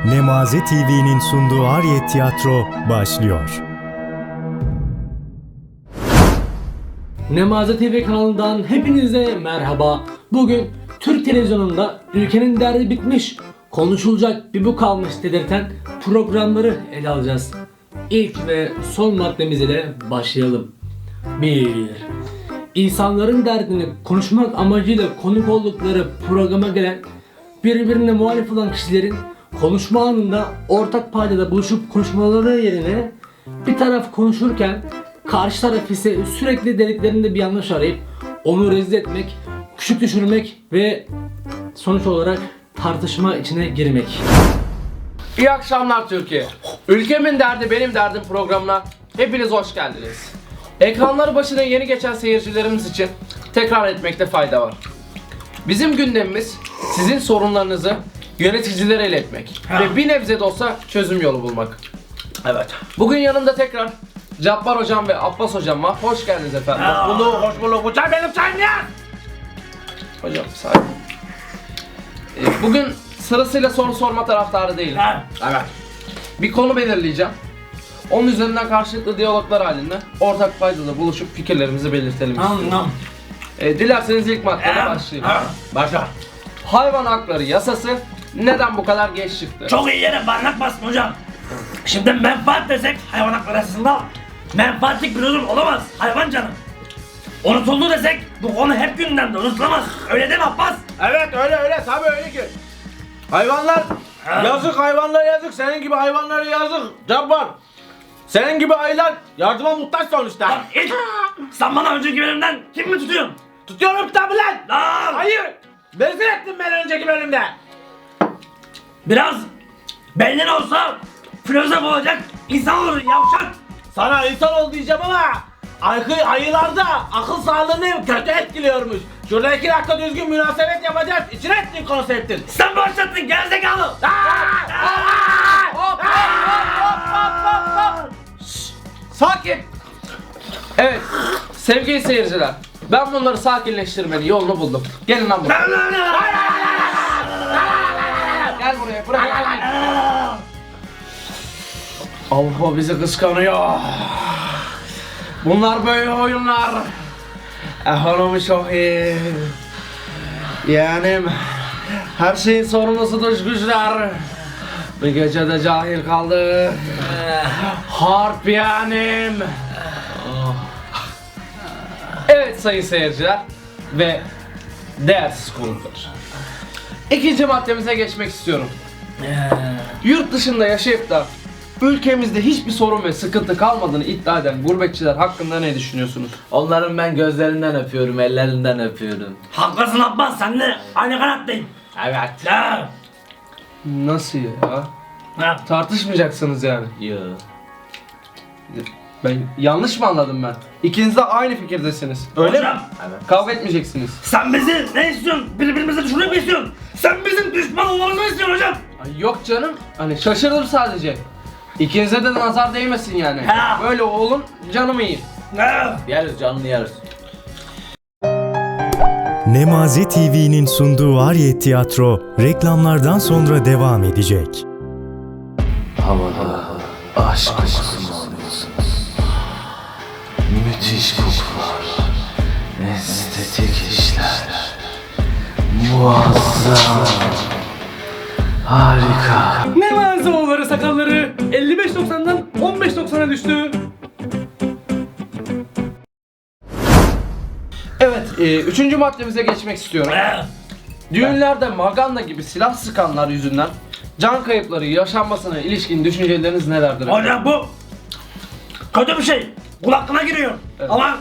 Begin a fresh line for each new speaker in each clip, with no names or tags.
Nemaze TV'nin sunduğu Ariyet Tiyatro başlıyor.
Nemaze TV kanalından hepinize merhaba. Bugün Türk televizyonunda ülkenin derdi bitmiş, konuşulacak bir bu kalmış dedirten programları ele alacağız. İlk ve son maddemiz ile başlayalım. 1. İnsanların derdini konuşmak amacıyla konuk oldukları programa gelen, birbirine muhalif olan kişilerin konuşma anında ortak paydada buluşup konuşmaları yerine bir taraf konuşurken karşı taraf ise sürekli dediklerinde bir yanlış arayıp onu rezil etmek, küçük düşürmek ve sonuç olarak tartışma içine girmek.
İyi akşamlar Türkiye. Ülkemin derdi benim derdim programına hepiniz hoş geldiniz. Ekranları başına yeni geçen seyircilerimiz için tekrar etmekte fayda var. Bizim gündemimiz sizin sorunlarınızı yöneticilere iletmek ve bir nebze de olsa çözüm yolu bulmak.
Evet.
Bugün yanımda tekrar Cabbar hocam ve Abbas hocam var. Hoş geldiniz efendim.
Hoş bulduk. Bu çay benim çayım ya.
Hocam sakin. Bugün sırasıyla soru sorma taraftarı değilim.
Evet.
Bir konu belirleyeceğim. Onun üzerinden karşılıklı diyaloglar halinde ortak paydada buluşup fikirlerimizi belirtelim istiyorum. Dilerseniz ilk maddeye başlayalım.
Başla.
Hayvan hakları yasası neden bu kadar geç çıktı?
Çok iyi yere barnak bastın hocam. Şimdi menfaat desek hayvan hakları arasında menfaatlik bir durum olamaz hayvan canım. Unutuldu desek bu konu hep gündemde unutulamaz. Öyle değil mi Abbas?
Evet öyle tabii öyle ki. Hayvanlar yazık, hayvanlara yazık, senin gibi hayvanlara yazık Cabbar. Senin gibi ayılar yardıma muhtaç sonuçta.
Lan it! Sen bana önceki bölümden kim mi tutuyorsun?
Tutuyorum tabi lan.
Lan!
Hayır. Rezil ettin beni önceki bölümde.
Biraz beynin olsa filozof olacak insan olur yavşak.
Sana insan ol diyeceğim ama ayılarda akıl sağlığını kötü etkiliyormuş. Şurada 2 dakika düzgün münasebet yapacağız. İçine ettin konseptin.
Sen başlattın gerizekalı.
Sakin. Evet, sevgili seyirciler. Ben bunları sakinleştirmenin yolunu buldum. Gelin lan buraya. Gel buraya, buraya gel. Allah bizi kıskanıyor. Bunlar böyle oyunlar. Ekonomi çok iyi. Yeğenim, her şeyin sorumlusu dış güçler. Bir gecede cahil kaldı. Harp yeğenim. Evet sayın seyirciler ve değersiz konuklar. İkinci maddemize geçmek istiyorum. Yurt dışında yaşayıp da ülkemizde hiçbir sorun ve sıkıntı kalmadığını iddia eden gurbetçiler hakkında ne düşünüyorsunuz?
Onların ben gözlerinden öpüyorum, ellerinden öpüyorum.
Haklısın Abbas, sen de aynı kanattayım.
Evet.
Ya.
Nasıl ya?
Ha.
Tartışmayacaksınız yani.
Yo.
Ben yanlış mı anladım ben? İkiniz de aynı fikirdesiniz. Öyle
Hocam,
mi? Kavga etmeyeceksiniz.
sen bizi ne istiyorsun? Birbirimize düşürmek mi istiyorsun? Sen bizim düşman olmamızı mı istiyorsun hocam?
Ay yok canım. Hani şaşırdım sadece. İkinize de nazar değmesin yani.
Ha.
Böyle olun canım iyi.
Ha.
Yeriz, canlı yeriz.
Nemaze TV'nin sunduğu Ariyet Tiyatro reklamlardan sonra devam edecek.
Havada aşk kokusunu alıyorsunuz. Müthiş kokular. Estetik işler. Muazzam. Harika.
Nemaze oğulları sakalları 55.90'dan 15.90'a düştü.
Evet, üçüncü maddemize geçmek istiyorum.
Ha.
Düğünlerde maganda gibi silah sıkanlar yüzünden can kayıpları yaşanmasına ilişkin düşünceleriniz nelerdir?
Hocam bu kötü bir şey. Kul hakkına giriyor.
Evet.
Ama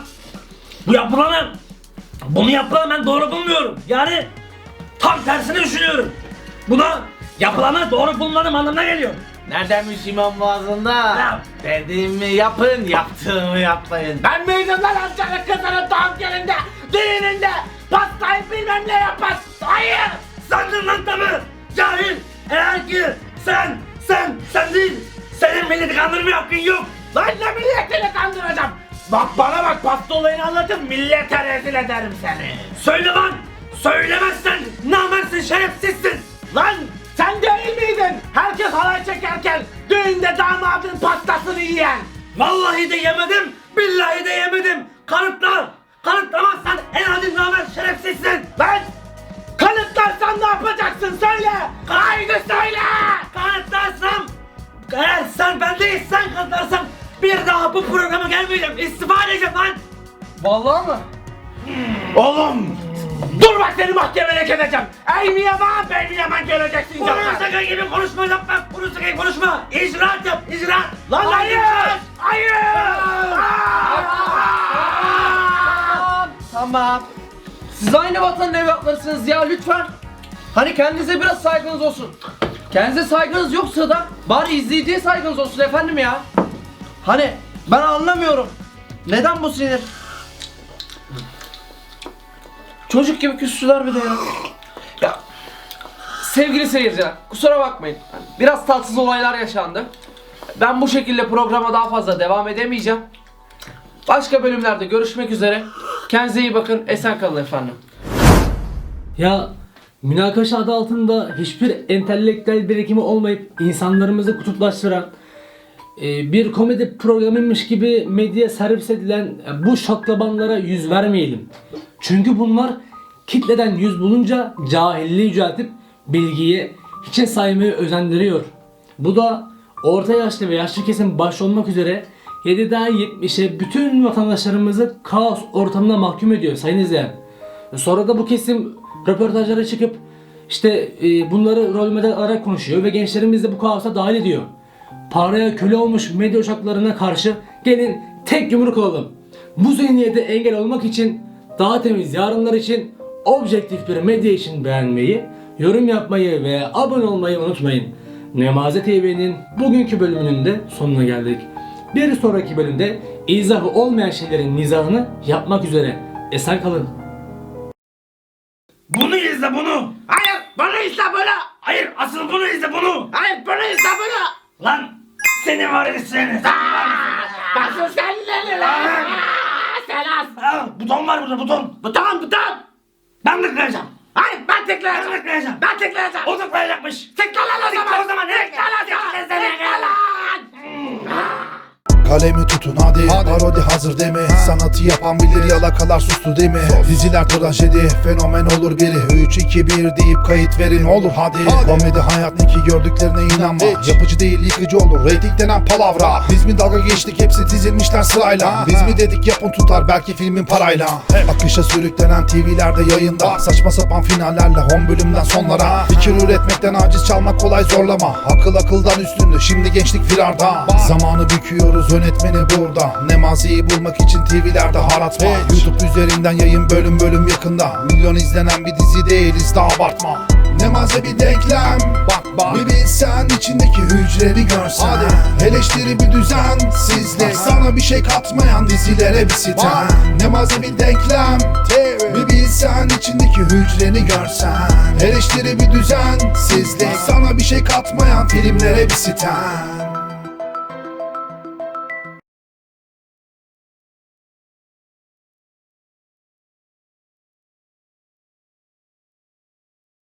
bunu yapılanı ben doğru bulmuyorum. Yani tam tersini düşünüyorum. Buna yapılanı doğru bulmanın anlamına geliyor.
Neredenmiş imam vaazında?
Ne?
Dediğimi yapın, yaptığımı yapmayın.
Ben miydim lan amcanın kızının doğum gününde, düğününde pastayı bilmem ne yapmaz. Hayır.
Sandın lan tabi. Cahil. Eğer ki sen değil. Senin milleti kandırmaya hakkın yok.
Lan ne milletini kandıracağım. Bak bana bak, pasta olayını anlatın, millete rezil ederim seni.
Söyle lan. Söylemezsen namertsin, şerefsizsin.
Lan sen değil miydin? Herkes de damadın pastasını yiyen.
Vallahi de yemedim, billahi de yemedim. Kanıtla. Kanıtlamazsan en adi namer şerefsizsin.
Lan! Kanıtlarsan ne yapacaksın söyle! Haydi söyle!
Kanıtlarsam, eğer sen ben değilsen kanıtlarsam bir daha bu programa gelmeyeceğim. İstifa edeceğim lan.
Vallahi mı?
Oğlum! Dur bak seni mahkemeye edeceğim. Ey mi yaman, bey mi yaman göreceksin
Bunu
canım.
sakın gibi konuşma yapma. Bunu sakın konuşma. İcraat yap, icraat.
Lan hayır! Hayır!
Tamam. Siz aynı vatanın evlatlarısınız ya lütfen. Hani kendinize biraz saygınız olsun. Kendinize saygınız yoksa da bari izleyiciye saygınız olsun efendim ya. Hani ben anlamıyorum. Neden bu sinir? Çocuk gibi küstüler bir de ya. Ya sevgili seyirciler kusura bakmayın. Biraz tatsız olaylar yaşandı. Ben bu şekilde programa daha fazla devam edemeyeceğim. Başka bölümlerde görüşmek üzere. Kendinize iyi bakın. Esen kalın efendim.
Ya münakaşa adı altında hiçbir entelektüel birikimi olmayıp insanlarımızı kutuplaştıran bir komedi programıymış gibi medyaya servis edilen bu şaklabanlara yüz vermeyelim. Çünkü bunlar kitleden yüz bulunca cahilliği yüceltip bilgiyi hiçe saymayı özendiriyor. Bu da orta yaşlı ve yaşlı kesim başta olmak üzere 7'den 70'e bütün vatandaşlarımızı kaos ortamına mahkum ediyor sayın izleyen. Sonra da bu kesim röportajlara çıkıp işte bunları rol model alarak konuşuyor ve gençlerimiz de bu kaosa dahil ediyor. Paraya köle olmuş medya uçaklarına karşı gelin tek yumruk olalım. Bu zihniyete engel olmak için daha temiz yarınlar için objektif bir medya için beğenmeyi, yorum yapmayı ve abone olmayı unutmayın. Nemaze TV'nin bugünkü bölümünün de sonuna geldik. Bir sonraki bölümde izahı olmayan şeylerin mizahını yapmak üzere. Esen kalın.
Bunu izle bunu.
Hayır! Bunu izle bunu!
Hayır asıl bunu izle bunu.
Hayır bunu izle bunu!
Lan seni var ya seni.
Nasıl senleri lan? Sen az!
Aa, buton var burada buton.
Buton!
Ben tıklayacağım.
Hayır ben tıklayacağım!
Ben tıklayacağım.
Ben tıklayacağım!
O tıklayacakmış.
Tıkla lan o zaman!
Tıkla o zaman.
Tıkla lan! Tıkla lan!
Kalemi tutun hadi, parodi hazır değil mi? Sanatı yapan bilir, yalakalar sustu değil mi? Diziler trajedi, fenomen olur biri 3, 2, 1 deyip kayıt verin olur hadi. Komedi hayat ne ki gördüklerine inanma. Yapıcı değil yıkıcı olur, reyting denen palavra. Biz mi dalga geçtik, hepsi dizilmişler sırayla. Biz mi dedik yapın tutar, belki filmin parayla. Akışa sürüklenen TV'lerde yayında, saçma sapan finallerle 10 bölümden sonlara. Fikir üretmekten aciz, çalmak kolay zorlama. Akıl akıldan üstündü, şimdi gençlik firarda. Zamanı büküyoruz, yönetmeni burada. Nemazi'yi bulmak için TV'lerde harat var. YouTube üzerinden yayın bölüm bölüm yakında. Milyon izlenen bir dizi değiliz, daha abartma. Nemaze bir denklem, bak bir bilsen içindeki hücreleri görsen. Eleştiri bir düzensizlik, sana bir şey katmayan dizilere bir sitem. Nemaze bir denklem, bir bilsen içindeki hücreni görsen. Eleştiri bir düzensizlik, sana bir şey katmayan filmlere bir sitem.